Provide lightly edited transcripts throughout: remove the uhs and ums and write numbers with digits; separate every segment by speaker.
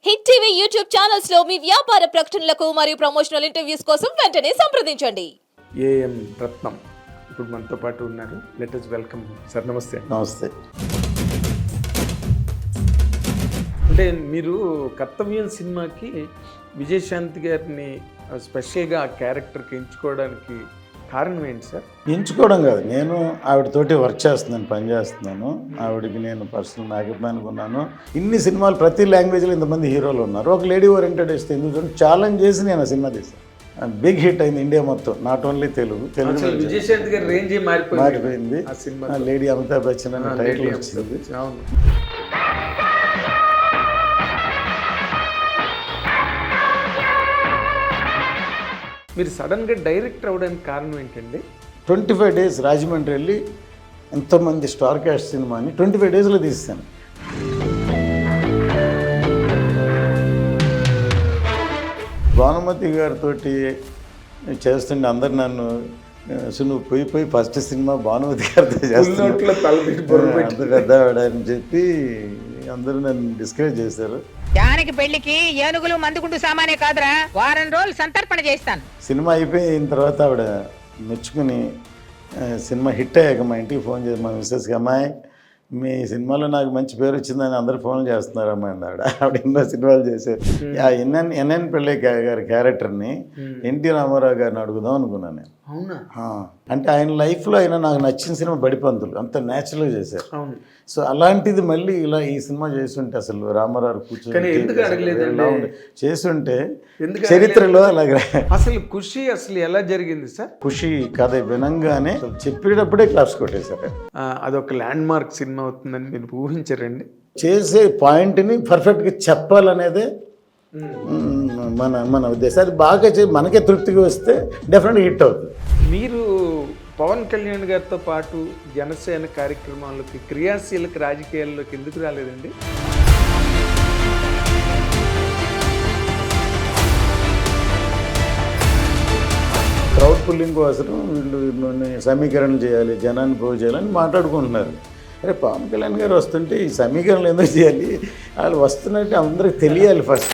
Speaker 1: Hit TV YouTube channels లో మీ వ్యాపార ప్రకటనలకు మరియు ప్రమోషనల్ ఇంటర్వ్యూస్ కోసం వెంటనే సంప్రదించండి.
Speaker 2: ఏఎం రత్నం ఇప్పుడు మనతో పాటు ఉన్నారు. Let us welcome sir. నమస్తే.
Speaker 3: నమస్తే.
Speaker 2: అంటే మీరు కర్తవ్యం సినిమాకి విజయశాంతి గారిని స్పెషల్గా ఆ క్యారెక్టర్కి ఎంచుకోవడానికి కారణం ఏంటి సార్?
Speaker 3: ఎంచుకోవడం కాదు, నేను ఆవిడతోటి వర్క్ చేస్తున్నాను, పని చేస్తున్నాను. ఆవిడకి నేను పర్సనల్ అభిమానిగా ఉన్నాను. ఇన్ని సినిమాలు ప్రతి లాంగ్వేజ్లో ఇంతమంది హీరోలు ఉన్నారు. ఒక లేడీ ఓరియంటెడ్ ఇస్తే ఎందుకు ఛాలెంజ్ చేసి నేను ఆ సినిమా తీసాను. బిగ్ హిట్ అయింది ఇండియా మొత్తం, నాట్ ఓన్లీ తెలుగు.
Speaker 2: విజయశాంతి గారి రేంజ్
Speaker 3: మారిపోయింది. లేడీ అమితాబ్ బచ్చన్ అనే టైటిల్ వచ్చింది.
Speaker 2: అవును. మీరు సడన్గా డైరెక్టర్ అవ్వడానికి కారణం ఏంటండి?
Speaker 3: 25 days రాజమండ్రి వెళ్ళి ఎంతోమంది స్టార్ క్యాస్ట్ సినిమాని 25 daysలో తీసాను. భానుమతి గారితో చేస్తుంటే అందరు నన్ను నువ్వు పోయి ఫస్ట్ సినిమా భానుమతి గారితో చేస్తున్నా అంత పెద్దవాడు అని చెప్పి అందరూ నన్ను డిస్కరేజ్ చేశారు.
Speaker 4: జానకి పెళ్లికి ఏనుగులు మందుకుంటూ సామానే కాదురా, వారం రోజులు సంతర్పణ చేస్తాను.
Speaker 3: సినిమా అయిపోయిన తర్వాత ఆవిడ మెచ్చుకుని సినిమా హిట్ అయ్యాక మా ఇంటికి ఫోన్ చేసి మా మిస్సెస్కి, అమ్మాయి మీ సినిమాలో నాకు మంచి పేరు వచ్చిందని అందరూ ఫోన్లు చేస్తున్నారు అమ్మాయి అండి. ఆవిడ ఎన్నో సినిమాలు చేశారు. ఆ ఎన్ఎన్ పిళ్ళై గారి క్యారెక్టర్ని ఎన్టీ రామారావు గారిని అడుగుదాం అనుకున్నాను నేను.
Speaker 2: అవునా?
Speaker 3: అంటే ఆయన లైఫ్లో ఆయన నాకు నచ్చిన సినిమా బడిపంతులు, అంత న్యాచురల్గా చేశారు.
Speaker 2: అవును.
Speaker 3: సో అలాంటిది మళ్ళీ ఇలా ఈ సినిమా చేస్తుంటే అసలు రామారావు కూర్చొని చేస్తుంటే చరిత్రలో అలాగే
Speaker 2: అసలు ఖుషి అసలు ఎలా జరిగింది సార్?
Speaker 3: ఖుషి కథ వినంగానే చెప్పేటప్పుడే క్లాప్స్ కొట్టేశారు.
Speaker 2: అదొక ల్యాండ్ మార్క్ సినిమా అవుతుందని మీరు ఊహించారండి?
Speaker 3: చేసే పాయింట్ని పర్ఫెక్ట్గా చెప్పాలనేదే మన ఉద్దేశం. అది బాగా మనకే తృప్తిగా వస్తే డెఫినెట్గా హిట్ అవుతుంది.
Speaker 2: మీరు పవన్ కళ్యాణ్ గారితో పాటు జనసేన కార్యక్రమాల్లోకి, క్రియాశీలక రాజకీయాల్లోకి ఎందుకు రాలేదండి?
Speaker 3: క్రౌడ్ పుల్లింగ్ కోసం వీళ్ళు సమీకరణలు చేయాలి, జనాన్ని పోగు చేయాలని మాట్లాడుకుంటున్నారు. అరే పవన్ కళ్యాణ్ గారు వస్తుంటే ఈ సమీకరణలు ఎందుకు చేయాలి? వాళ్ళు వస్తున్నట్టు అందరికి తెలియాలి ఫస్ట్.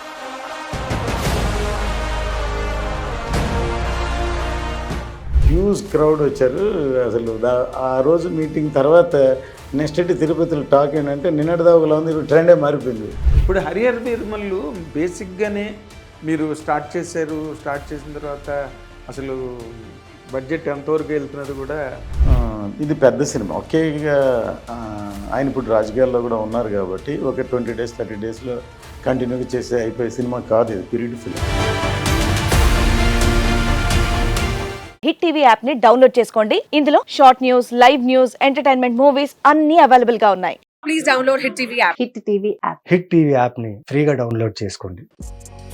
Speaker 3: హ్యూజ్ క్రౌడ్ వచ్చారు. అసలు ఆ రోజు మీటింగ్ తర్వాత నెక్స్ట్ డే తిరుపతిలో టాక్ ఏంటంటే నిన్నటిదావులా ఉంది, ట్రెండే మారిపోయింది.
Speaker 2: ఇప్పుడు హరిహర వీరమల్లు బేసిక్గానే మీరు స్టార్ట్ చేశారు. స్టార్ట్ చేసిన తర్వాత అసలు బడ్జెట్ ఎంతవరకు వెళ్తున్నది కూడా.
Speaker 3: ఇది పెద్ద సినిమా. ఒకేగా ఆయన ఇప్పుడు రాజకీయాల్లో కూడా ఉన్నారు కాబట్టి ఒక 20 days 30 daysలో కంటిన్యూగా చేసే అయిపోయే సినిమా కాదు ఇది, period film.
Speaker 5: Hit TV app ని డౌన్లోడ్ చేసుకోండి. ఇందులో short news, live news, entertainment movies అన్ని అవైలబుల్ గా ఉన్నాయి.
Speaker 6: Please download hit TV app.
Speaker 5: Hit TV app.
Speaker 7: Hit TV యాప్ని ఫ్రీగా డౌన్లోడ్ చేసుకోండి.